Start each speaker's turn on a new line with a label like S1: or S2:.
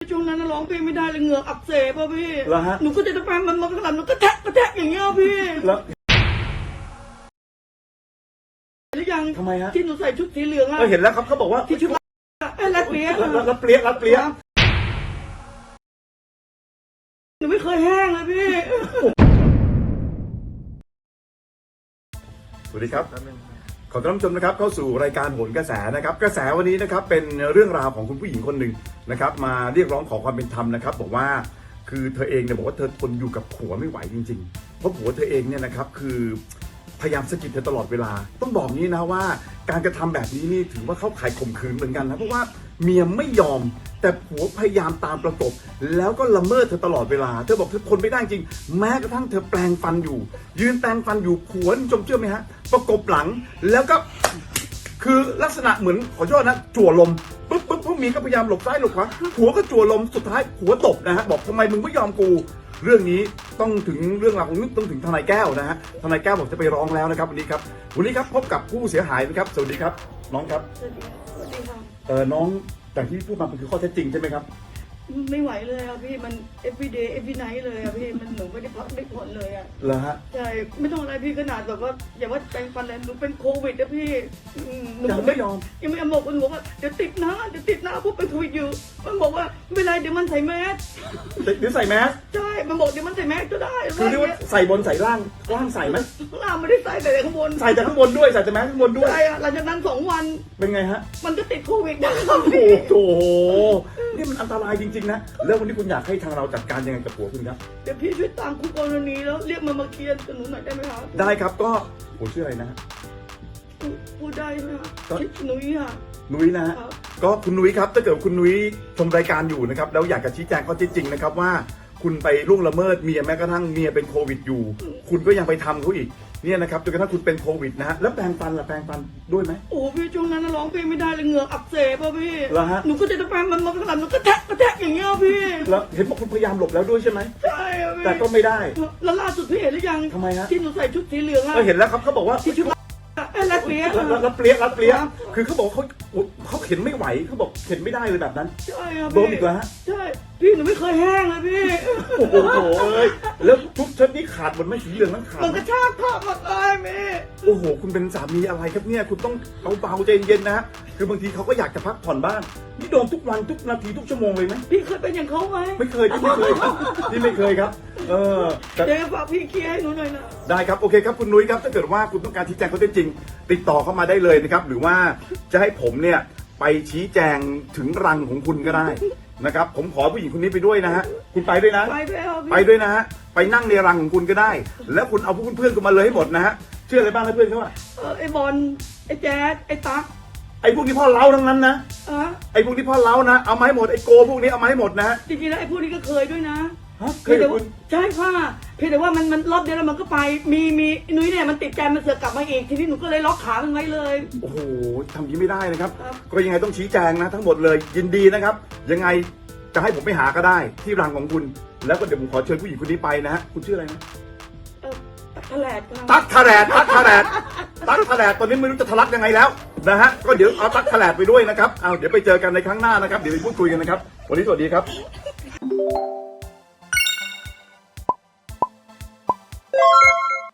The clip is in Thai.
S1: ช่วงนั้นร้องเพลงไม่ได้เลยเหงือกอักเสบป่ะพี่
S2: เหรอฮะ
S1: หนูก็จะไปมันกระหล่ำหนูก็แทะอย่างเงี้ยพี่
S2: แล้ว
S1: หรือยัง
S2: ทำไมฮะ
S1: ที่หนูใส่ชุดสีเหลืองอะ
S2: เห็นแล้วครับเขาบอกว่า
S1: ที่ชุดรัดเปรี้ย
S2: รับเปรี้ยรับเปรี้ย
S1: หนูไม่เคยแห้งเลยพี่
S2: สวัสดีครับขอต้อนรับชมนะครับเข้าสู่รายการโหนกระแสนะครับกระแสวันนี้นะครับเป็นเรื่องราวของคุณผู้หญิงคนหนึ่งนะครับมาเรียกร้องขอความเป็นธรรมนะครับบอกว่าคือเธอเองเนี่ยบอกว่าเธอทนอยู่กับผัวไม่ไหวจริงๆเพราะผัวเธอเองเนี่ยนะครับคือพยายามสะกิดเธอตลอดเวลาต้องบอกนี้นะว่าการกระทำแบบนี้นี่ถือว่าเข้าข่ายข่มขืนเหมือนกันนะเพราะว่าเมียไม่ยอมแต่ผัวพยายามตามประกบแล้วก็ละเมิดเธอตลอดเวลาเธอบอกเธอทนไม่ได้จริงแม้กระทั่งเธอแปลงฟันอยู่ยืนแปลงฟันอยู่ผัวนี่จมเชื่อไหมฮะประกบหลังแล้วก็คือลักษณะเหมือนขอโทษนะจั่วลมปุ๊บพวกมีก็พยายามหลบซ้ายหลบขวาผัวก็จั่วลมสุดท้ายผัวตบนะฮะบอกทำไมมึงไม่ยอมกูเรื่องนี้ต้องถึงเรื่องราวของต้องถึงทนายแก้วนะฮะทนายแก้วบอกจะไปร้องแล้วนะครับวันนี้ครับพบกับผู้เสียหายนะครับสวัสดีครับน้องครับ
S1: สวัสดีค่ะ
S2: น้องอย่างที่พูดมามันคือข้อเท็จจริงใช่ไหมครับ
S1: ไม่ไหวเลยอะพี่มัน every day every night เลยอะพี่มันหนูไม่ได้พักไม่ผ่อนเลยอะ
S2: เหรอฮะ
S1: ใช่ไม่ต้องอะไรพี่ขนาดแบบว่าอย่าว่าแปลงฟันเลยหนูเป็นโควิดนะพี่หนู
S2: ยังไม่ยอม
S1: ยังไม่บอกหนูว่าเดี๋ยวติดนะพวกเป็นโควิดอยู่มันบอกว่าไม่เป็นไรเดี๋ยวมันใส่แมส
S2: หรือใส่แมส
S1: ใช่มันบอกเดี๋ยวมันใส่แมสก็ได้
S2: คือเรียกว่าใส่บนใส่ล่างใส่ไหม
S1: ล่างไม่ได้ใส่แต่ข้างบน
S2: ใส่แต่ข้างบนด้วยใส่แต่แมสข้างบนด้วย
S1: ใช่อะหลังจากนั้น2 วัน
S2: เป็นไงฮะ
S1: มันก็ติดโควิดนะครับ
S2: โอ้
S1: พี่
S2: โหนี่มันอันตรายจริงๆนะแล้ววันนี้คุณอยากให้ทางเราจัดการยังไงกับผัวคุณครับ
S1: เดี๋ยวพี่ช่วยตามคู่กรณีแล้วเรียกมันมาเคลียร์กับหนูหน่อยได้ไหมคะ
S2: ได้ครับก็ผมชื่ออะไรนะฮะ
S1: พูดได้ไหมคะ
S2: ก็
S1: หนุ้ยค่ะ
S2: นุ้ยนะฮะ
S1: ครับ
S2: ก็คุณนุ้ยครับถ้าเกิดคุณนุ้ยชมรายการอยู่นะครับแล้วอยากจะชี้แจงข้อเท็จจริงนะครับว่าคุณไปล่วงละเมิดเมียแม้กระทั่งเมียเป็นโควิดอยู่ คุณก็ยังไปทำเขาอีกเนี่ยนะครับจนกระทั่งคุณเป็นโควิดนะฮะแล้วแปรงฟันล่ะแปรงฟันด้วยไหม
S1: โอ้พี่ช่วงนั้นร้องเพลงไม่ได้เลยเหงือกอักเสบป่ะพี่
S2: เหรอฮะ
S1: หนูก็จะไปมันกระหล่ำหนูก็แทะอย่างเงี้ยพี่
S2: แล้วเห็นบอกคุณพยายามหลบแล้วด้วยใช่ไหม
S1: ใช่อะพี่
S2: แต่ก็ไม่ได้
S1: แล้วล่าสุดพี่เห็นหรือยัง
S2: ทำไมฮะ
S1: ที่หนูใส่ชุดสีเหลืองอะ
S2: เห็นแล้วครับเขาบอกว่า
S1: ที่ชุดรัดเปรี้ย
S2: รับเปรี้ยคือเขาบอกเขาเข็นไม่ไหวเขาบอกเข็นไม่ได้เลยแบบนั้น
S1: ใช่อะ
S2: โด
S1: พี่
S2: นอีกแล้วฮะ
S1: ใช่พี่หนูไม่เคยแห้งเลยพี่
S2: โอ้โหเอ้ยแล้วทุกชุดนี้ขาดหมดไหมสีเหลืองนั้นขาด
S1: มัน
S2: ไหม
S1: กระชากผ้าหมดเลยพี่
S2: โอ้โหคุณเป็นสามีอะไรครับเนี่ยคุณต้องเอาเบาใจเย็นนะฮะคือบางทีเขาก็อยากจะพักผ่อนบ้างนี่โดนทุกวันทุกนาทีทุกชั่วโมงเลยไหม
S1: พี่เคยเป็นอย่างเขาไหม
S2: ไม่เคยที่ไม่เคยครับที่ไม่เคยครับแต่
S1: เดี๋ยวฝากพี่เคลียร์ให้หนูหน่อยนะ
S2: ได้ครับโอเคครับคุณนุ้ยครับถ้าเกิดว่าคุณต้องการชี้แจงข้อเท็จจริง ติดต่อเข้ามาได้เลยนะครับหรือว่าจะให้ผมเนี่ยไปชี้แจงถึงรังของคุณก็ได้นะครับผมขอผู้หญิงคนนี้ไปด้วยนะฮะคุณไปด้วยนะ
S1: ไปด้วยครับ
S2: ไปด้วยนะฮะไปนั่งในรังของคุณก็ได้ แล้วคุณเอาพวกเพื่อนๆคุณมาเลยให้หมดนะฮะเชื่ออะไรบ้างนะเพื่อนเขาว่า
S1: ไอ้บอลไอ้แจ๊ดไอ้ตั๊ก
S2: ไอ้พวกนี้พ่อเล้าทั้งนั้นนะ
S1: อะ
S2: ไอ้พวกนี้พ่อเล้านะเอามาให้หมดไอ้โกพวกนี้เอามาให้หมดนะฮะ
S1: จริงๆแล้วไอ้พวกนี้ก็เคยด้วยนะ
S2: เคยกับคุณ
S1: ใช่ค่ะเพียงแต่ว่ามันรอบเดียวแล้วมันก็ไปมีนุ้ยเนี่ยมันติดใจมันเสือกกลับมาอีกทีนี้หนูก็เลยล็อกขามันไว้เลย
S2: โอ้โหทำอย่างนี้ไม่ได้นะครับ
S1: ครับ
S2: ก็ยังไงต้องชี้แจงนะทั้งหมดเลยยินดีนะครับยังไงจะให้ผมไปหาก็ได้ที่รังของคุณ แล้วก็เดี๋ยวผมขอเชิญผู้หญิงคนนี้ไปนะฮะคุณชื่ออะไรนะ
S1: ตักแถลดค่ะ
S2: ตั๊กทะแลดตอนนี้ไม่รู้จะทะลักยังไงแล้วนะฮะก็เดี๋ยวเอาตั๊กทะแลดไปด้วยนะครับเอาเดี๋ยวไปเจอกันในครั้งหน้านะครับเดี๋ยวไปพูดคุยกันนะครับวันนี้สวัสดีครับ